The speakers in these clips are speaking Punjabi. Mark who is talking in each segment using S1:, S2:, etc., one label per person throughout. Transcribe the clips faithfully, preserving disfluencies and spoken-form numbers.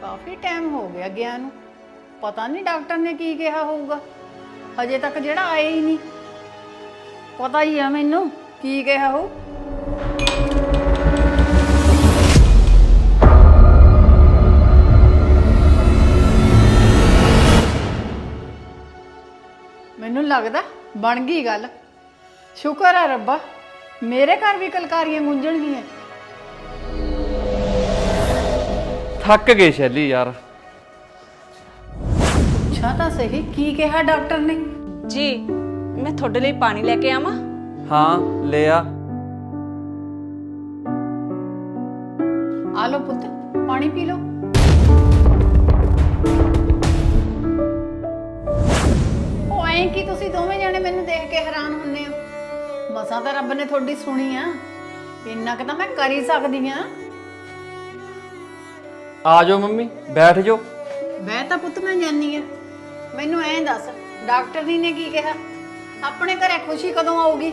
S1: काफ़ी टाइम हो गया गया नूं। पता नहीं डॉक्टर ने की कहा होगा, हजे तक जेड़ा आया ही नहीं। पता ही है मैनू की कहा हो। मैनू लगदा बन गई गल। शुक्र है रब्बा, मेरे घर भी कलकारियां गूंजणगियां।
S2: थक गए शैली यार।
S1: पूछा तो सही की कहा डॉक्टर ने।
S3: जी मैं थोड़े लिए पानी लेके आवां?
S2: हाँ ले आ।
S1: आ लो पुत्र, पानी पी लो। ਉਹ ਐਂ ਕਿ ਤੁਸੀਂ ਦੋਵੇਂ ਜਣੇ ਮੈਨੂੰ ਦੇਖ ਕੇ ਹੈਰਾਨ ਹੁੰਦੇ ਹੋ। ਮਸਾਂ ਤਾਂ ਰੱਬ ਨੇ ਤੁਹਾਡੀ ਸੁਣੀ ਆ, ਇੰਨਾ ਕਿ ਤਾਂ ਮੈਂ ਕਰ ਹੀ ਸਕਦੀ ਆ।
S2: आ जाओ मम्मी, बैठ जाओ।
S1: ਮੈਂ ਤਾਂ ਪੁੱਤ ਮੈਂ ਜਾਨੀ ਆ। ਮੈਨੂੰ ਐਂ ਦੱਸ, ਡਾਕਟਰ ਜੀ ਨੇ ਕੀ ਕਿਹਾ? ਆਪਣੇ ਘਰੇ ਖੁਸ਼ੀ ਕਦੋਂ ਆਊਗੀ?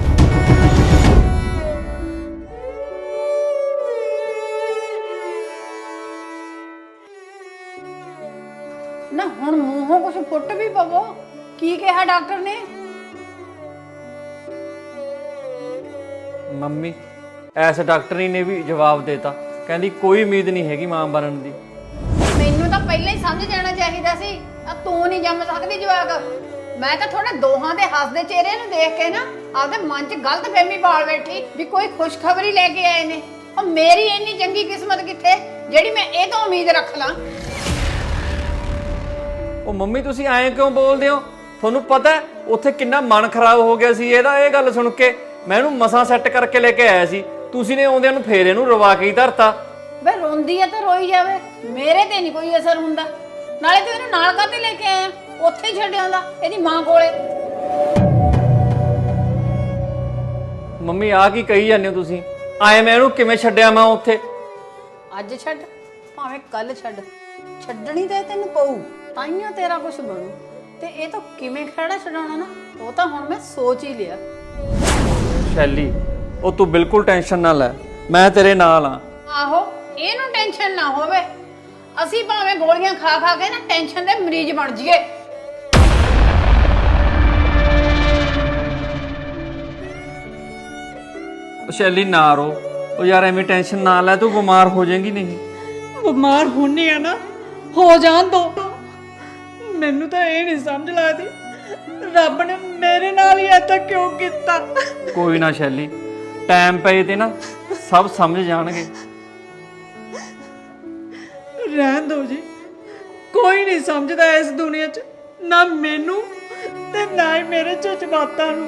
S1: ਨਾ ਹੁਣ ਮੂੰਹੋਂ ਕੁਝ ਫੁੱਟ ਵੀ ਪਵੋ। ਕੀ ਕਿਹਾ ਡਾਕਟਰ ਨੇ?
S2: मम्मी ऐसे डॉक्टरी ने भी जवाब देता, कहती कोई उम्मीद नहीं हैगी मां बनन दी।
S1: ਮੈਨੂੰ ਤਾਂ ਪਹਿਲਾਂ ਹੀ ਸਮਝ ਜਾਣਾ ਚਾਹੀਦਾ ਸੀ। ਆ ਤੂੰ ਨਹੀਂ ਜੰਮ ਸਕਦੀ ਜਵਾਕ। ਮੈਂ ਤਾਂ ਤੁਹਾਡੇ ਦੋਹਾਂ ਦੇ ਹੱਸਦੇ ਚਿਹਰੇ ਨੂੰ ਦੇਖ ਕੇ ਨਾ ਆਪਦੇ ਮਨ 'ਚ ਗਲਤ ਫਹਿਮੀ ਪਾਲ ਬੈਠੀ ਵੀ ਕੋਈ ਖੁਸ਼ਖਬਰੀ ਲੈ ਕੇ ਆਏ ਨੇ। ਉਹ ਮੇਰੀ ਇੰਨੀ ਚੰਗੀ ਕਿਸਮਤ ਕਿੱਥੇ ਜਿਹੜੀ ਮੈਂ ਇਹ ਤੋਂ ਉਮੀਦ ਰੱਖ ਲਾਂ।
S2: ਉਹ ਮੰਮੀ ਤੁਸੀਂ ਐਂ ਕਿਉਂ ਬੋਲਦੇ ਹੋ? ਤੁਹਾਨੂੰ ਪਤਾ ਉੱਥੇ ਕਿੰਨਾ ਮਨ ਖਰਾਬ ਹੋ ਗਿਆ ਸੀ ਇਹਦਾ ਇਹ ਗੱਲ ਸੁਣ ਕੇ। ਮੈਂ ਇਹਨੂੰ ਮਸਾਂ ਸੈੱਟ ਕਰਕੇ ਲੈ ਕੇ ਆਇਆ ਸੀ, ਤੁਸੀਂ ਨੇ ਆਉਂਦਿਆਂ ਨੂੰ ਫੇਰ ਇਹਨੂੰ ਰਵਾ ਕੇ ਹੀ ਧਰਤਾ।
S1: ਵੇ ਰੋਂਦੀ ਆ ਤਾਂ ਰੋਈ ਜਾਵੇ, ਮੇਰੇ ਤੇ ਨਹੀਂ ਕੋਈ ਅਸਰ ਹੁੰਦਾ। ਨਾਲੇ ਤੂੰ ਇਹਨੂੰ ਨਾਲ ਕਾਹਤੇ ਲੈ ਕੇ ਆਇਆ? ਉੱਥੇ ਹੀ ਛੱਡ ਆਉਂਦਾ ਇਹਦੀ ਮਾਂ ਕੋਲੇ।
S2: ਮੰਮੀ ਆ ਕੀ ਕਹੀ ਜਾਂਦੇ ਹੋ ਤੁਸੀਂ? ਆਏ ਮੈਂ ਇਹਨੂੰ ਕਿਵੇਂ ਛੱਡਿਆ ਮੈਂ ਉੱਥੇ?
S1: ਅੱਜ ਛੱਡ ਭਾਵੇਂ ਕੱਲ ਛੱਡ, ਛੱਡਣੀ ਤਾਂ ਤੈਨੂੰ ਪਊ, ਤਾਈਓ ਤੇਰਾ ਕੁਝ ਬਣੂ। ਤੇ ਇਹ ਤਾਂ ਕਿਵੇਂ ਖੜਾ ਛਡਾਉਣਾ ਨਾ, ਉਹ ਤਾਂ ਹੁਣ ਮੈਂ ਸੋਚ ਹੀ ਲਿਆ।
S2: ਸ਼ੈਲੀ ਉਹ ਤੂੰ ਬਿਲਕੁਲ ਟੈਨਸ਼ਨ ਨਾ ਲੈ, ਮੈਂ ਤੇਰੇ ਨਾਲ ਆ।
S1: ਆਹੋ ਇਹਨੂੰ ਟੈਨਸ਼ਨ ਨਾ ਹੋਵੇ, ਅਸੀਂ ਭਾਵੇਂ ਗੋਲੀਆਂ ਖਾ ਖਾ ਕੇ ਨਾ ਟੈਨਸ਼ਨ ਦੇ ਮਰੀਜ਼ ਬਣ ਜਾਈਏ।
S2: ਸ਼ੈਲੀ ਨਾ ਰੋ, ਉਹ ਯਾਰ ਐਵੇਂ ਟੈਨਸ਼ਨ ਨਾ ਲੈ, ਤੂੰ ਬਿਮਾਰ ਹੋ ਜਾਏਂਗੀ। ਨਹੀਂ
S3: ਬਿਮਾਰ ਹੋਣੀ ਆ ਨਾ, ਹੋ ਜਾਣ ਦੋ। ਮੈਨੂੰ ਤਾਂ ਇਹ ਨਹੀਂ ਸਮਝ ਲੱਗਦੀ ਰੱਬ ਨੇ ਮੇਰੇ ਨਾਲ ਹੀ ਐਦਾਂ ਕਿਉਂ ਕੀਤਾ।
S2: ਕੋਈ ਨਾ ਸ਼ੈਲੀ, ਟਾਈਮ ਪਏ ਤੇ ਨਾ ਸਭ ਸਮਝ ਜਾਣਗੇ।
S3: ਰਹਿਣ ਦੋ ਜੀ, ਕੋਈ ਨਹੀਂ ਸਮਝਦਾ ਇਸ ਦੁਨੀਆ 'ਚ, ਨਾ ਮੈਨੂੰ ਤੇ ਨਾ ਹੀ ਮੇਰੇ ਜਜ਼ਬਾਤਾਂ ਨੂੰ।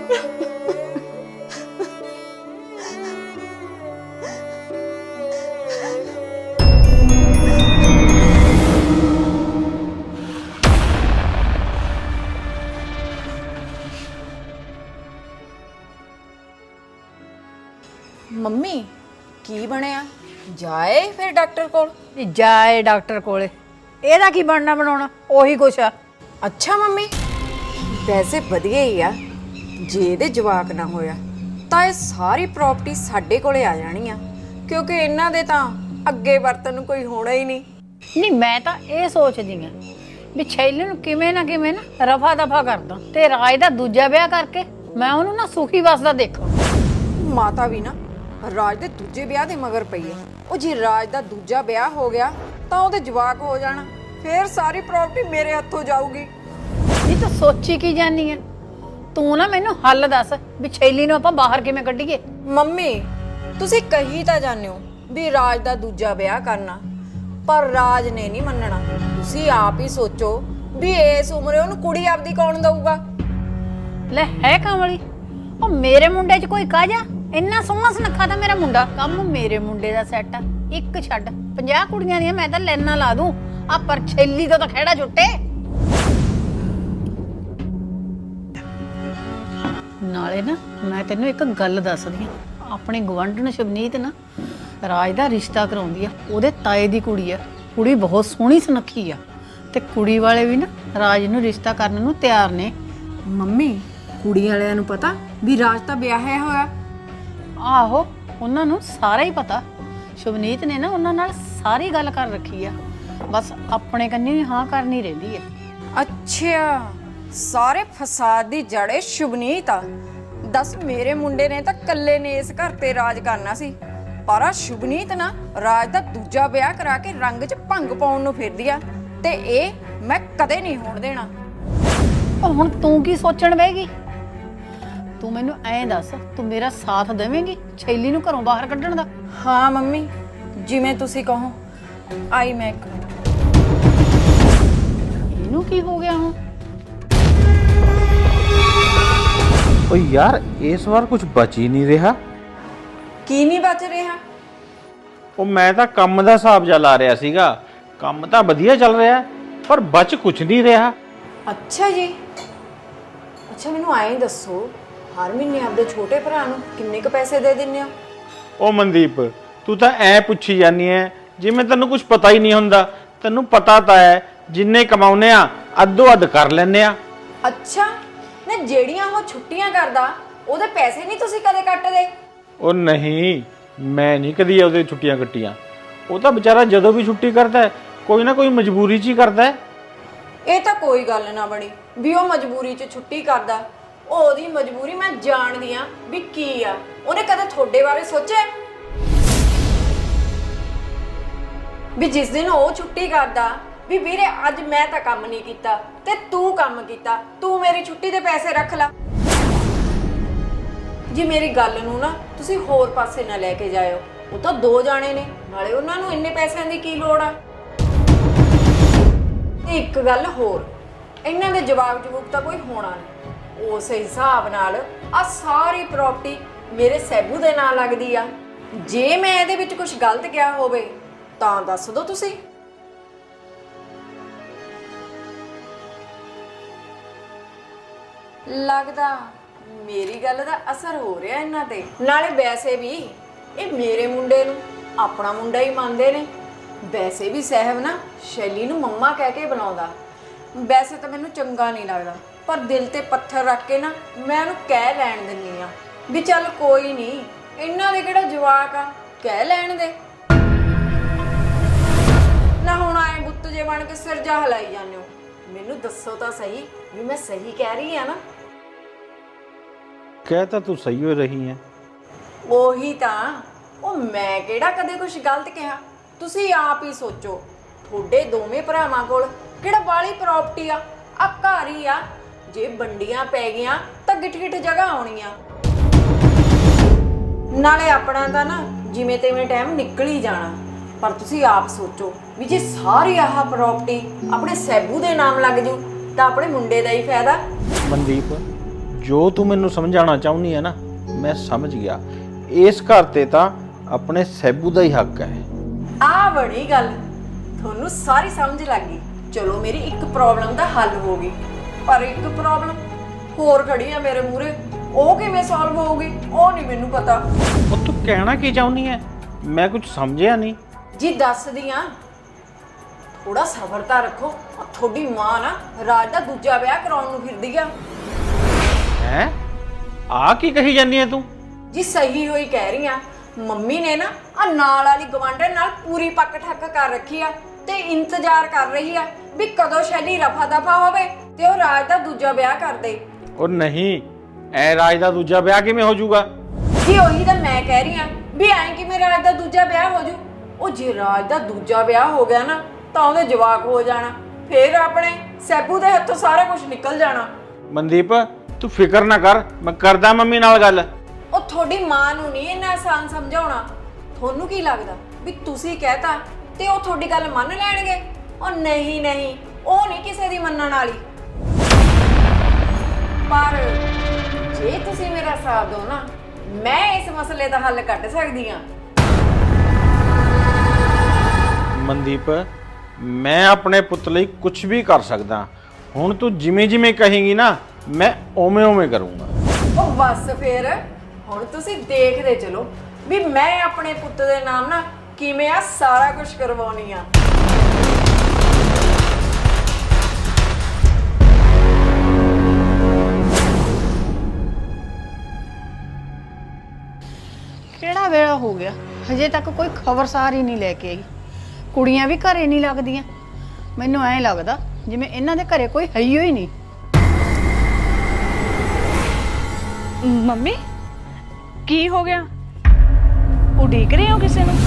S4: ਮੰਮੀ ਕੀ ਬਣਿਆ? ਜਾਏ ਫਿਰ ਡਾਕਟਰ ਕੋਲ?
S1: ਜਾਏ ਡਾਕਟਰ ਕੋਲੇ, ਇਹਦਾ ਕੀ ਬਣਨਾ ਬਣਾਉਣਾ, ਉਹੀ ਕੁਛ ਆ।
S4: ਅੱਛਾ ਮੰਮੀ, ਵੈਸੇ ਵਧੀਆ ਹੀ ਆ। ਜੇ ਇਹਦੇ ਜਵਾਕ ਨਾ ਹੋਇਆ ਤਾਂ ਇਹ ਸਾਰੀ ਪ੍ਰਾਪਰਟੀ ਸਾਡੇ ਕੋਲੇ ਆ ਜਾਣੀ ਆ, ਕਿਉਂਕਿ ਇਹਨਾਂ ਦੇ ਤਾਂ ਅੱਗੇ ਵਰਤਨ ਨੂੰ ਕੋਈ ਹੋਣਾ ਹੀ ਨਹੀਂ।
S1: ਨਹੀਂ ਮੈਂ ਤਾਂ ਇਹ ਸੋਚਦੀ ਆ ਵੀ ਛੈਲੇ ਨੂੰ ਕਿਵੇਂ ਨਾ ਕਿਵੇਂ ਨਾ ਰਫਾ ਦਫਾ ਕਰਦਾ ਤੇ ਰਾਜ ਦਾ ਦੂਜਾ ਵਿਆਹ ਕਰਕੇ ਮੈਂ ਉਹਨੂੰ ਨਾ ਸੁਖੀ ਵਸਦਾ ਦੇਖਾਂ।
S4: ਮਾਤਾ ਵੀ ਨਾ ਰਾਜ ਦੇ ਦੂਜੇ ਵਿਆਹ ਦੇ ਮਗਰ ਪਈ ਆ। ਉਹ ਜੇ ਰਾਜ ਦਾ ਦੂਜਾ ਵਿਆਹ ਹੋ ਗਿਆ ਤਾਂ ਉਹਦੇ ਜਵਾਕ ਹੋ ਜਾਣਾ, ਫਿਰ ਸਾਰੀ ਪ੍ਰਾਪਰਟੀ ਮੇਰੇ ਹੱਥੋਂ ਜਾਊਗੀ।
S1: ਨਹੀਂ ਤੂੰ ਸੋਚੀ ਕੀ ਜਾਨੀ ਆ? ਤੂੰ ਨਾ ਮੈਨੂੰ ਹੱਲ ਦੱਸ ਵੀ ਛੈਲੀ ਨੂੰ ਆਪਾਂ ਬਾਹਰ ਕਿਵੇਂ ਕੱਢੀਏ।
S4: ਮੰਮੀ ਤੁਸੀਂ ਕਹੀ ਤਾਂ ਜਾਂਦੇ ਹੋ ਵੀ ਰਾਜ ਦਾ ਦੂਜਾ ਵਿਆਹ ਕਰਨਾ, ਪਰ ਰਾਜ ਨੇ ਨਹੀਂ ਮੰਨਣਾ। ਤੁਸੀਂ ਆਪ ਹੀ ਸੋਚੋ ਵੀ ਇਸ ਉਮਰੇ ਉਹਨੂੰ ਕੁੜੀ ਆਪਦੀ ਕੌਣ ਦਊਗਾ?
S1: ਲੈ ਹੈ ਕਮਲੀ, ਉਹ ਮੇਰੇ ਮੁੰਡੇ 'ਚ ਕੋਈ ਕਾਜਾ? ਇੰਨਾ ਸੋਹਣਾ ਸੁਨੱਖਾ ਤਾਂ ਮੇਰਾ ਮੁੰਡਾ, ਕੰਮ ਮੇਰੇ ਮੁੰਡੇ ਦਾ ਸੈੱਟ ਆ। ਇੱਕ ਛੱਡ ਪੰਜਾਹ ਕੁੜੀਆਂ ਦੀਆਂ ਮੈਂ ਤਾਂ ਲੈਣਾ ਲਾ ਦੂੰ, ਆ ਪਰ ਛੈਲੀ ਤੋਂ ਤਾਂ ਖਹਿੜਾ ਛੁੱਟੇ। ਨਾਲੇ ਨਾ ਮੈਂ ਤੈਨੂੰ ਇੱਕ ਗੱਲ ਦੱਸਦੀ ਆ, ਆਪਣੇ ਗਵੰਡਣ ਸ਼ਬਨੀਤ ਨਾ ਰਾਜ ਦਾ ਰਿਸ਼ਤਾ ਕਰਾਉਂਦੀ ਆ। ਉਹਦੇ ਤਾਏ ਦੀ ਕੁੜੀ ਆ, ਕੁੜੀ ਬਹੁਤ ਸੋਹਣੀ ਸੁਨੱਖੀ ਆ, ਤੇ ਕੁੜੀ ਵਾਲੇ ਵੀ ਨਾ ਰਾਜ ਨੂੰ ਰਿਸ਼ਤਾ ਕਰਨ ਨੂੰ ਤਿਆਰ ਨੇ।
S4: ਮੰਮੀ ਕੁੜੀ ਵਾਲਿਆਂ ਨੂੰ ਪਤਾ ਵੀ ਰਾਜ ਤਾਂ ਵਿਆਹਿਆ ਹੋਇਆ?
S1: ਆਹੋ ਉਹਨਾਂ ਨੂੰ ਸਾਰਾ ਹੀ ਪਤਾ। ਸ਼ੁਭਨੀਤ ਨੇ ਨਾ ਉਹਨਾਂ ਨਾਲ ਸਾਰੀ ਗੱਲ ਕਰ ਰੱਖੀ ਆ। ਬਸ ਆਪਣੇ ਕੰਨੀ ਵੀ ਹਾਂ ਕਰਨੀ ਰਹਿੰਦੀ ਹੈ।
S4: ਅੱਛਾ, ਸਾਰੇ ਫਸਾਦ ਦੀ ਜੜੇ ਸ਼ੁਭਨੀਤ ਆ। ਦੱਸ, ਮੇਰੇ ਮੁੰਡੇ ਨੇ ਤਾਂ ਕੱਲੇ ਨੇ ਇਸ ਘਰ ਤੇ ਰਾਜ ਕਰਨਾ ਸੀ, ਪਰ ਆ ਸ਼ੁਭਨੀਤ ਨਾ ਰਾਜ ਦਾ ਦੂਜਾ ਵਿਆਹ ਕਰਾ ਕੇ ਰੰਗ 'ਚ ਭੰਗ ਪਾਉਣ ਨੂੰ ਫਿਰਦੀ ਆ, ਤੇ ਇਹ ਮੈਂ ਕਦੇ ਨਹੀਂ ਹੋਣ ਦੇਣਾ।
S1: ਉਹ ਹੁਣ ਤੂੰ ਕੀ ਸੋਚਣ ਬੈਗੀ? ਤੂੰ ਮੈਨੂੰ ਐਂ ਦੱਸ, ਤੂੰ ਮੇਰਾ ਸਾਥ ਦੇਵੇਂਗੀ ਛੈਲੀ ਨੂੰ ਘਰੋਂ ਬਾਹਰ ਕੱਢਣ ਦਾ?
S4: ਹਾਂ ਮੰਮੀ, ਜਿਵੇਂ ਤੁਸੀਂ ਕਹੋ। ਆਈ ਮੈਂ ਇੱਕ ਮਿੰਟ।
S1: ਇਹਨੂੰ ਕੀ ਹੋ ਗਿਆ ਹੁਣ?
S5: ਓ ਯਾਰ, ਇਸ ਵਾਰ ਕੁਝ ਬਚ ਹੀ ਨਹੀਂ ਰਿਹਾ।
S4: ਕੀ ਨਹੀਂ ਬਚ ਰਿਹਾ?
S5: ਉਹ ਮੈਂ ਤਾਂ ਕੰਮ ਦਾ ਹਿਸਾਬ ਜਾ ਲਾ ਰਿਹਾ ਸੀਗਾ, ਕੰਮ ਤਾਂ ਵਧੀਆ ਚੱਲ ਰਿਹਾ ਪਰ ਬਚ ਕੁਝ ਨਹੀਂ ਰਿਹਾ।
S4: ਅੱਛਾ ਜੀ। ਅੱਛਾ, ਮੈਨੂੰ ਐਂ ਦੱਸੋ, ਹਰ ਮਹੀਨੇ ਆਪਦੇ ਛੋਟੇ ਭਰਾ ਨੂੰ ਕਿੰਨੇ ਕ ਪੈਸੇ ਦੇ ਦਿੰਦੇ ਹੋ?
S5: ਉਹ ਮਨਦੀਪ, ਤੂੰ ਤਾਂ ਐ ਪੁੱਛੀ ਜਾਂਦੀ ਐ ਜਿਵੇਂ ਤੈਨੂੰ ਕੁਝ ਪਤਾ ਹੀ ਨਹੀਂ ਹੁੰਦਾ। ਤੈਨੂੰ ਪਤਾ ਤਾਂ ਹੈ, ਜਿੰਨੇ ਕਮਾਉਨੇ ਆ ਅੱਧੋ ਅੱਧ ਕਰ ਲੈਨੇ ਆ।
S4: ਅੱਛਾ, ਨਾ ਜਿਹੜੀਆਂ ਉਹ ਛੁੱਟੀਆਂ ਕਰਦਾ ਉਹਦੇ ਪੈਸੇ ਨਹੀਂ ਤੁਸੀਂ ਕਦੇ ਕੱਟਦੇ?
S5: ਉਹ ਨਹੀਂ, ਮੈਂ ਨਹੀਂ ਕਦੀ ਉਹਦੇ ਛੁੱਟੀਆਂ ਕੱਟੀਆਂ। ਉਹ ਤਾਂ ਵਿਚਾਰਾ ਜਦੋਂ ਵੀ ਛੁੱਟੀ ਕਰਦਾ ਹੈ, ਕੋਈ ਨਾ ਕੋਈ ਮਜਬੂਰੀ 'ਚ ਹੀ ਕਰਦਾ ਹੈ।
S4: ਇਹ ਤਾਂ ਕੋਈ ਗੱਲ ਨਾ ਬਣੀ ਵੀ ਉਹ ਮਜਬੂਰੀ 'ਚ ਛੁੱਟੀ ਕਰਦਾ। ਉਹ ਉਹਦੀ ਮਜਬੂਰੀ ਮੈਂ ਜਾਣਦੀ ਆ ਵੀ ਕੀ ਆ। ਉਹਨੇ ਕਦੇ ਤੁਹਾਡੇ ਬਾਰੇ ਸੋਚਿਆ ਵੀ ਜਿਸ ਦਿਨ ਉਹ ਛੁੱਟੀ ਕਰਦਾ ਵੀ ਵੀਰੇ ਅੱਜ ਮੈਂ ਤਾਂ ਕੰਮ ਨਹੀਂ ਕੀਤਾ ਤੇ ਤੂੰ ਕੰਮ ਕੀਤਾ, ਤੂੰ ਮੇਰੀ ਛੁੱਟੀ ਦੇ ਪੈਸੇ ਰੱਖ ਲੈ। ਜੀ ਮੇਰੀ ਗੱਲ ਨੂੰ ਨਾ ਤੁਸੀਂ ਹੋਰ ਪਾਸੇ ਨਾ ਲੈ ਕੇ ਜਾਇਓ। ਉਹ ਤਾਂ ਦੋ ਜਾਣੇ ਨੇ, ਨਾਲੇ ਉਹਨਾਂ ਨੂੰ ਇੰਨੇ ਪੈਸਿਆਂ ਦੀ ਕੀ ਲੋੜ ਆ। ਤੇ ਇੱਕ ਗੱਲ ਹੋਰ, ਇਹਨਾਂ ਦੇ ਜਵਾਬ ਜਵਾਬ ਤਾਂ ਕੋਈ ਹੋਣਾ ਨਹੀਂ। ਉਸ ਹਿਸਾਬ ਨਾਲ ਆ ਸਾਰੀ ਪ੍ਰਾਪਰਟੀ ਮੇਰੇ ਸੈਬੂ ਦੇ ਨਾਂ ਲੱਗਦੀ ਆ। ਜੇ ਮੈਂ ਇਹਦੇ ਵਿੱਚ ਕੁਝ ਗਲਤ ਕਿਹਾ ਹੋਵੇ ਤਾਂ ਦੱਸ ਦਿਓ ਤੁਸੀਂ। ਲੱਗਦਾ ਮੇਰੀ ਗੱਲ ਦਾ ਅਸਰ ਹੋ ਰਿਹਾ ਇਹਨਾਂ ਤੇ। ਨਾਲੇ ਵੈਸੇ ਵੀ ਇਹ ਮੇਰੇ ਮੁੰਡੇ ਨੂੰ ਆਪਣਾ ਮੁੰਡਾ ਹੀ ਮੰਨਦੇ ਨੇ। ਵੈਸੇ ਵੀ ਸਾਹਿਬ ਨਾ ਸ਼ੈਲੀ ਨੂੰ ਮੰਮਾ ਕਹਿ ਕੇ ਬੁਲਾਉਂਦਾ। ਵੈਸੇ ਤਾਂ ਮੈਨੂੰ ਚੰਗਾ ਨਹੀਂ ਲੱਗਦਾ, ਪਰ ਦਿਲ ਤੇ ਪੱਥਰ ਰੱਖ ਕੇ ਨਾ ਮੈਂ ਉਹਨੂੰ ਕਹਿ ਲੈਣ ਦਿੰਨੀ ਆ ਵੀ ਚੱਲ ਕੋਈ ਨਹੀਂ, ਇਹਨਾਂ ਦੇ ਕਿਹੜਾ ਜਵਾਕ ਆ, ਕਹਿ ਲੈਣ ਦੇ। ਨਾ ਹੁਣ ਆਏ ਬੁੱਤ ਜੇ ਬਣ ਕੇ ਸਿਰ ਜਾ ਹਲਾਈ ਜਾਂਦੇ ਹੋ। ਮੈਨੂੰ ਦੱਸੋ ਤਾਂ ਸਹੀ ਵੀ ਮੈਂ ਸਹੀ ਕਹਿ ਰਹੀ ਆ ਨਾ?
S5: ਕਹਿ ਤਾਂ ਤੂੰ ਸਹੀ ਹੋ ਰਹੀ ਹੈ।
S4: ਉਹੀ ਤਾਂ, ਉਹ ਮੈਂ ਕਿਹੜਾ ਕਦੇ ਕੁਝ ਗਲਤ ਕਿਹਾ? ਤੁਸੀਂ ਆਪ ਹੀ ਸੋਚੋ, ਤੁਹਾਡੇ ਦੋਵੇਂ ਭਰਾਵਾਂ ਕੋਲ ਕਿਹੜਾ ਬਾਲੀ ਪ੍ਰਾਪਰਟੀ ਆ? ਆ ਘਰ ਹੀ ਆ। ਜੇ ਵੰਡੀਆਂ ਪੈ ਗਈਆਂ ਤਾਂ ਗਿੱਠ ਗਿੱਠ ਜਗ੍ਹਾ ਆਉਣੀਆਂ। ਨਾਲੇ ਆਪਣਾ ਤਾਂ ਨਾ ਜਿਵੇਂ ਤਿਵੇਂ ਟਾਈਮ ਨਿਕਲ ਹੀ ਜਾਣਾ। ਪਰ ਤੁਸੀਂ ਆਪ ਸੋਚੋ ਵੀ ਜੇ ਸਾਰੀ ਆਹ ਪ੍ਰਾਪਰਟੀ ਆਪਣੇ ਸੈਬੂ ਦੇ ਨਾਮ ਲੱਗ ਜੂ ਤਾਂ ਆਪਣੇ ਮੁੰਡੇ ਦਾ ਹੀ ਫਾਇਦਾ।
S5: ਮਨਦੀਪ, ਜੋ ਤੂੰ ਮੈਨੂੰ ਸਮਝਾਉਣਾ ਚਾਹੁੰਦੀ ਹੈ ਨਾ, ਮੈਂ ਸਮਝ ਗਿਆ। ਇਸ ਘਰ ਤੇ ਤਾਂ ਆਪਣੇ ਸੈਬੂ ਦਾ ਹੀ ਹੱਕ ਹੈ।
S4: ਆ ਬੜੀ ਗੱਲ, ਤੁਹਾਨੂੰ ਸਾਰੀ ਸਮਝ ਲੱਗ ਗਈ। ਚਲੋ ਮੇਰੀ ਇੱਕ ਪ੍ਰੋਬਲਮ ਦਾ ਹੱਲ ਹੋ ਗਈ, ਪਰ ਇੱਕ ਪ੍ਰੋਬਲਮ ਹੋਰ ਖੜੀ ਆ ਮੇਰੇ ਮੂਹਰੇ। ਉਹ ਕਿਵੇਂ ਸੋਲਵ ਹੋਊਗੀ ਉਹ ਨਹੀਂ ਮੈਨੂੰ ਪਤਾ।
S5: ਉਹ ਤੂੰ ਕਹਿਣਾ ਕੀ ਚਾਹੁੰਦੀ ਹੈ? ਮੈਂ ਕੁਝ ਸਮਝਿਆ ਨਹੀਂ।
S4: ਜੀ ਦੱਸਦੀ ਆ, ਥੋੜਾ ਸਬਰ ਤਾਂ ਰੱਖੋ। ਉਹ ਤੁਹਾਡੀ ਮਾਂ ਨਾ ਰਾਜ ਦਾ ਦੂਜਾ ਵਿਆਹ ਕਰਾਉਣ ਨੂੰ ਫਿਰਦੀ ਆ।
S5: ਹੈ? ਆ ਕੀ ਕਹੀ ਜਾਂਦੀ ਹੈ ਤੂੰ?
S4: ਜੀ ਸਹੀ ਹੋਈ ਕਹਿ ਰਹੀ ਆ। ਮੰਮੀ ਨੇ ਨਾ ਆ ਨਾਲ ਵਾਲੀ ਗਵਾਂਢਣ ਨਾਲ ਪੂਰੀ ਪੱਕ ਠੱਕ ਕਰ ਰੱਖੀ ਆ ਤੇ ਇੰਤਜ਼ਾਰ ਕਰ ਰਹੀ ਆ ਵੀ ਕਦੋਂ ਸ਼ੈਲੀ ਰਫਾ ਦਫਾ ਹੋਵੇ ਤੇ ਉਹ ਰਾਜ ਦਾ ਦੂਜਾ ਵਿਆਹ ਕਰ ਦੇ।
S5: ਉਹ ਨਹੀਂ, ਐ ਰਾਜ ਦਾ ਦੂਜਾ ਵਿਆਹ ਕਿਵੇਂ ਹੋ ਜਾਊਗਾ?
S4: ਜੀ ਉਹੀ ਤਾਂ ਮੈਂ ਕਹਿ ਰਹੀ ਆ ਵੀ ਐਂ ਕਿਵੇਂ ਰਾਜ ਦਾ ਦੂਜਾ ਵਿਆਹ ਹੋ ਜੂ? ਉਹ ਜੇ ਰਾਜ ਦਾ ਦੂਜਾ ਵਿਆਹ ਹੋ ਗਿਆ ਨਾ ਤਾਂ ਉਹਦੇ ਜਵਾਕ ਹੋ ਜਾਣਾ, ਫਿਰ ਆਪਣੇ ਸੈਬੂ ਦੇ ਹੱਥੋਂ ਸਾਰਾ ਕੁਝ ਨਿਕਲ ਜਾਣਾ।
S5: ਮਨਦੀਪ, ਤੂੰ ਫਿਕਰ ਨਾ ਕਰ, ਮੈਂ ਕਰਦਾ ਮੰਮੀ ਨਾਲ ਗੱਲ।
S4: ਉਹ ਤੁਹਾਡੀ ਮਾਂ ਨੂੰ ਨਹੀਂ ਇੰਨਾ ਆਸਾਨ ਸਮਝਾਉਣਾ। ਤੁਹਾਨੂੰ ਕੀ ਲੱਗਦਾ ਵੀ ਤੁਸੀਂ ਕਹਿਤਾ ਤੇ ਉਹ ਤੁਹਾਡੀ ਗੱਲ ਮੰਨ ਲੈਣਗੇ? ਉਹ ਨਹੀਂ ਨਹੀਂ, ਉਹ ਨਹੀਂ ਕਿਸੇ ਦੀ ਮੰਨਣ ਵਾਲੀ। ਪਰ ਜੇ ਤੁਸੀਂ ਮੇਰਾ ਸਾਥ ਦਿਓ ਨਾ, ਮੈਂ ਇਸ ਮਸਲੇ ਦਾ ਹੱਲ ਕੱਢ ਸਕਦੀ ਹਾਂ।
S5: ਮਨਦੀਪ, ਮੈਂ ਆਪਣੇ ਪੁੱਤ ਲਈ ਕੁਝ ਵੀ ਕਰ ਸਕਦਾ। ਹੁਣ ਤੂੰ ਜਿਵੇਂ ਜਿਵੇਂ ਕਹੇਂਗੀ ਨਾ, ਮੈਂ ਓਵੇਂ ਓਵੇਂ ਕਰੂੰਗਾ।
S4: ਉਹ ਬਸ ਫਿਰ ਹੁਣ ਤੁਸੀਂ ਦੇਖਦੇ ਚਲੋ ਵੀ ਮੈਂ ਆਪਣੇ ਪੁੱਤ ਦੇ ਨਾਮ ਨਾ ਕਿਵੇਂ ਆ ਸਾਰਾ ਕੁਝ ਕਰਵਾਉਣੀ ਆ।
S1: ਕਿਹੜਾ ਵੇਲਾ ਹੋ ਗਿਆ, ਹਜੇ ਤੱਕ ਕੋਈ ਖਬਰਸਾਰ ਹੀ ਨਹੀਂ ਲੈ ਕੇ ਆਈ। ਕੁੜੀਆਂ ਵੀ ਘਰੇ ਨਹੀਂ ਲੱਗਦੀਆਂ। ਮੈਨੂੰ ਐਂ ਲੱਗਦਾ ਜਿਵੇਂ ਇਹਨਾਂ ਦੇ ਘਰੇ ਕੋਈ ਹੈ ਹੀ ਨਹੀਂ।
S3: ਮੰਮੀ ਕੀ ਹੋ ਗਿਆ? ਉਡੀਕ ਰਹੇ ਹੋ ਕਿਸੇ ਨੂੰ?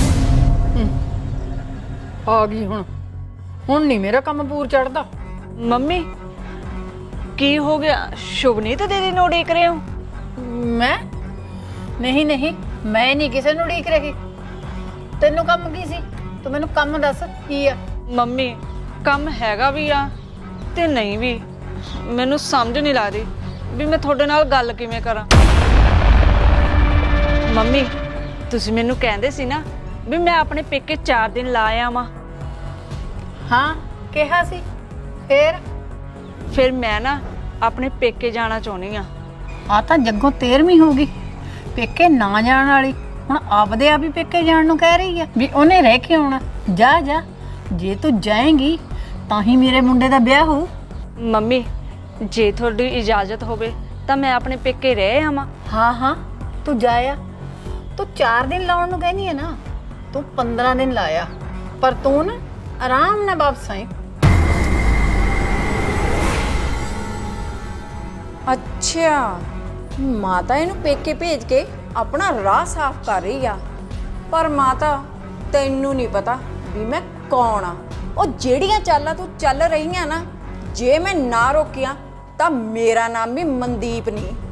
S1: ਆ ਗਈ ਹੁਣ ਹੁਣ ਨਹੀਂ ਮੇਰਾ ਕੰਮ ਪੂਰ ਚੜਦਾ।
S3: ਮੰਮੀ ਕੀ ਹੋ ਗਿਆ? ਸ਼ੁਭਨੀਤ ਦੀਦੀ ਨੂੰ ਉਡੀਕ ਰਹੇ ਹੋ?
S1: ਮੈਂ ਨਹੀਂ ਨਹੀਂ ਮੈਂ ਨਹੀਂ ਕਿਸੇ ਨੂੰ ਉਡੀਕ ਰਹੀ। ਤੈਨੂੰ ਕੰਮ ਕੀ ਸੀ? ਤੂੰ ਮੈਨੂੰ ਕੰਮ ਦੱਸ ਕੀ ਆ?
S3: ਮੰਮੀ ਕੰਮ ਹੈਗਾ ਵੀ ਆ ਤੇ ਨਹੀਂ ਵੀ। ਮੈਨੂੰ ਸਮਝ ਨਹੀਂ ਲੱਗਦੀ ਵੀ ਮੈਂ ਤੁਹਾਡੇ ਨਾਲ ਗੱਲ ਕਿਵੇਂ ਕਰਾਂ। ਮੰਮੀ ਤੁਸੀਂ ਮੈਨੂੰ ਕਹਿੰਦੇ ਸੀ ਨਾ ਵੀ ਮੈਂ ਆਪਣੇ ਪੇਕੇ ਚਾਰ ਦਿਨ ਲਾ ਆਵਾਂ।
S1: ਹਾਂ ਕਿਹਾ ਸੀ। ਫੇਰ
S3: ਫਿਰ ਮੈਂ ਨਾ ਆਪਣੇ ਪੇਕੇ ਜਾਣਾ ਚਾਹੁੰਦੀ ਆ।
S1: ਆ ਤਾਂ ਜੱਗੋਂ ਤੇਰਵੀਂ ਹੋ ਗਈ ਪੇਕੇ ਨਾ ਜਾਣ ਵਾਲੀ, ਹੁਣ ਆਪਦੇ ਆਪ ਹੀ ਪੇਕੇ ਜਾਣ ਨੂੰ ਕਹਿ ਰਹੀ ਆ ਵੀ ਉਹਨੇ ਰਹਿ ਕੇ ਆਉਣਾ। ਜਾ ਜਾ, ਜੇ ਤੂੰ ਜਾਏਂਗੀ ਤਾਂ ਹੀ ਮੇਰੇ ਮੁੰਡੇ ਦਾ ਵਿਆਹ ਹੋਊ।
S3: ਮੰਮੀ ਜੇ ਤੁਹਾਡੀ ਇਜਾਜ਼ਤ ਹੋਵੇ ਤਾਂ ਮੈਂ ਆਪਣੇ ਪੇਕੇ ਰਹਿ ਆਵਾਂ।
S1: ਹਾਂ ਹਾਂ ਤੂੰ ਜਾਇਆ। ਤੂੰ ਚਾਰ ਦਿਨ ਲਾਉਣ ਨੂੰ ਕਹਿੰਦੀ ਹੈ ਨਾ, ਤੂੰ ਪੰਦਰਾਂ ਦਿਨ ਲਾਇਆ, ਪਰ ਤੂੰ ਨਾ ਆਰਾਮ ਨਾਲ ਵਾਪਸ ਆਈ।
S4: ਅੱਛਾ, ਮਾਤਾ ਇਹਨੂੰ ਪੇਕੇ ਭੇਜ ਕੇ ਆਪਣਾ ਰਾਹ ਸਾਫ਼ ਕਰ ਰਹੀ ਆ। ਪਰ ਮਾਤਾ ਤੈਨੂੰ ਨਹੀਂ ਪਤਾ ਵੀ ਮੈਂ ਕੌਣ ਆ। ਉਹ ਜਿਹੜੀਆਂ ਚਾਲਾਂ ਤੂੰ ਚੱਲ ਰਹੀਆਂ ਨਾ, ਜੇ ਮੈਂ ਨਾ ਰੋਕਿਆ ਤਾਂ ਮੇਰਾ ਨਾਮ ਵੀ ਮਨਦੀਪ ਨਹੀਂ।